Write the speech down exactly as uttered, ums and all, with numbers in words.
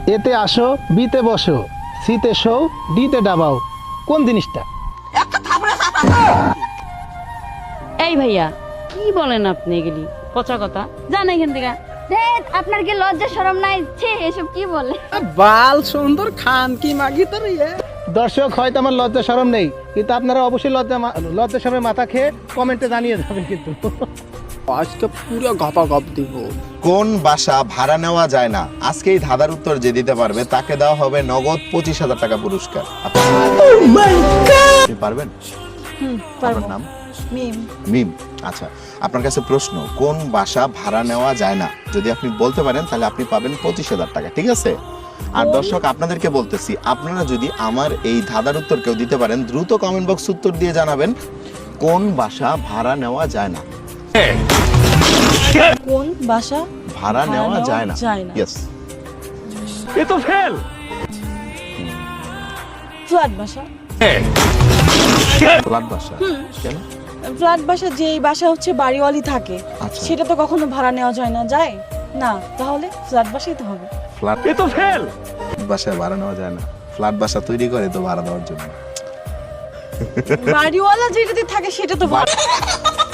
এতে আসো, বিতে বসো, সিতে শো, ডিতে ডাবাও, কোন জিনিসটা? এই ভাইয়া কি বলেন আপনি এগুলি পচা কথা, জান এখান থেকে। দেখ আপনার কি লজ্জা শরম নাই? ছে এসব কি বলে? বাল সুন্দর খান কি মাগি তোর ইয়ে দর্শক, হয়তো আমার লজ্জা শরম নেই, কিন্তু আপনারা অবশ্যই লজ্জা মা- লজ্জা শরমে মাথা খেয়ে কমেন্টে জানিয়ে যাবেন কিন্তু। আজকে পুরো গপা গপ দিব। কোন বাসা ভাড়া নেওয়া যায় না? আজকেই ধাঁধার উত্তর যে দিতে পারবে তাকে দেওয়া হবে নগদ পঁচিশ হাজার টাকা পুরস্কার। আপনি পারবেন? আপনার নাম? মিম। মিম। আচ্ছা, আপনার কাছে প্রশ্ন, কোন বাসা ভাড়া নেওয়া যায় না? যদি আপনি বলতে পারেন তাহলে আপনি পাবেন পঁচিশ হাজার টাকা, ঠিক আছে? আর দর্শক আপনাদেরকে বলতেছি, আপনারা যদি আমার এই ধাঁধার উত্তর কেউ দিতে পারেন, দ্রুত কমেন্ট বক্স উত্তর দিয়ে জানাবেন কোন বাসা ভাড়া নেওয়া যায় না। কোন বাসা ভাড়া নেওয়া যায় না? যায় না। ইয়েস। এ তো ফেল। ফ্ল্যাট বাসা। ফ্ল্যাট বাসা? কেন? ফ্ল্যাট বাসা যেই বাসা হচ্ছে বাড়িওয়ালি থাকে, আচ্ছা। সেটা তো কখনো ভাড়া নেওয়া যায় না। যায় না, তাহলে ফ্ল্যাট বাসাই তো হবে। ফ্ল্যাট এ তো ফেল। বাসায় ভাড়া নেওয়া যায় না? ফ্ল্যাট বাসা তৈরি করে তো ভাড়া দেওয়ার জন্য। বাড়িওয়ালা যেটাতে থাকে সেটা তো ভাড়া।